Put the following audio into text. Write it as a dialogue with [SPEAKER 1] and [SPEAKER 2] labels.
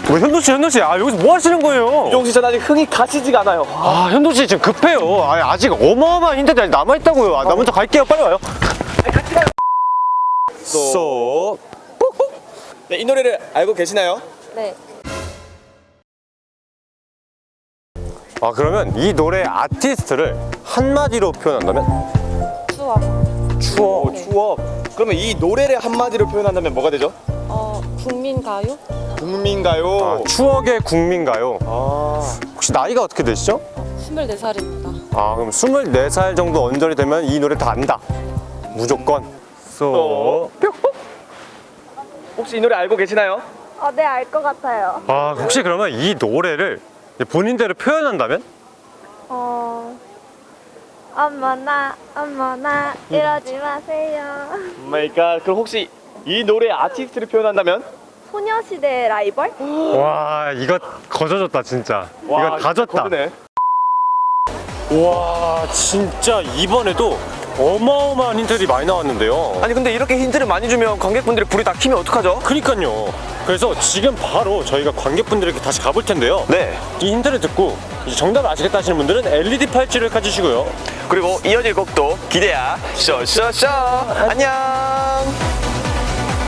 [SPEAKER 1] 뭐 현도 씨, 아 여기서 뭐 하시는 거예요?
[SPEAKER 2] 유종씨 전 아직 흥이 가시지가 않아요.
[SPEAKER 1] 아 현도 씨 지금 급해요. 아, 아직 어마어마한 힌트들이 남아 있다고요. 아, 나 먼저 갈게요. 빨리 와요.
[SPEAKER 2] 같이 가요.
[SPEAKER 1] 쏙.
[SPEAKER 2] 네, 이 노래를 알고 계시나요?
[SPEAKER 3] 네.
[SPEAKER 1] 아 그러면 이 노래 아티스트를 한마디로 표현한다면?
[SPEAKER 3] 추억.
[SPEAKER 1] 추억.
[SPEAKER 3] 네.
[SPEAKER 2] 추억. 그러면 이 노래를 한마디로 표현한다면 뭐가 되죠?
[SPEAKER 3] 국민가요?
[SPEAKER 2] 국민가요.
[SPEAKER 1] 아, 추억의 국민가요.
[SPEAKER 2] 아.
[SPEAKER 1] 혹시 나이가 어떻게 되시죠?
[SPEAKER 3] 24살입니다.
[SPEAKER 1] 아 그럼 24살 정도 언저리 되면 이 노래 다 안다. 무조건. 쏙.
[SPEAKER 2] 혹시 이 노래 알고 계시나요?
[SPEAKER 3] 네, 알 것 같아요.
[SPEAKER 1] 아 혹시 그러면 이 노래를 본인대로 표현한다면?
[SPEAKER 3] 어머나, 이러지 마세요.
[SPEAKER 2] 마이 갓. 그럼 혹시 이 노래의 아티스트를 표현한다면?
[SPEAKER 3] 소녀시대 라이벌?
[SPEAKER 1] 와 이거 거저졌다 진짜. 이거 다 졌다.
[SPEAKER 2] 거드네.
[SPEAKER 1] 와 진짜 이번에도 어마어마한 힌트들이 많이 나왔는데요.
[SPEAKER 2] 아니 근데 이렇게 힌트를 많이 주면 관객분들이 불이 다 켜면 어떡하죠?
[SPEAKER 1] 그니까요. 그래서 지금 바로 저희가 관객분들에게 다시 가볼 텐데요.
[SPEAKER 2] 네.
[SPEAKER 1] 이 힌트를 듣고 이제 정답을 아시겠다 하시는 분들은 LED 팔찌를 가지시고요.
[SPEAKER 2] 그리고 이어질 곡도 기대야. 쇼쇼쇼. 안녕.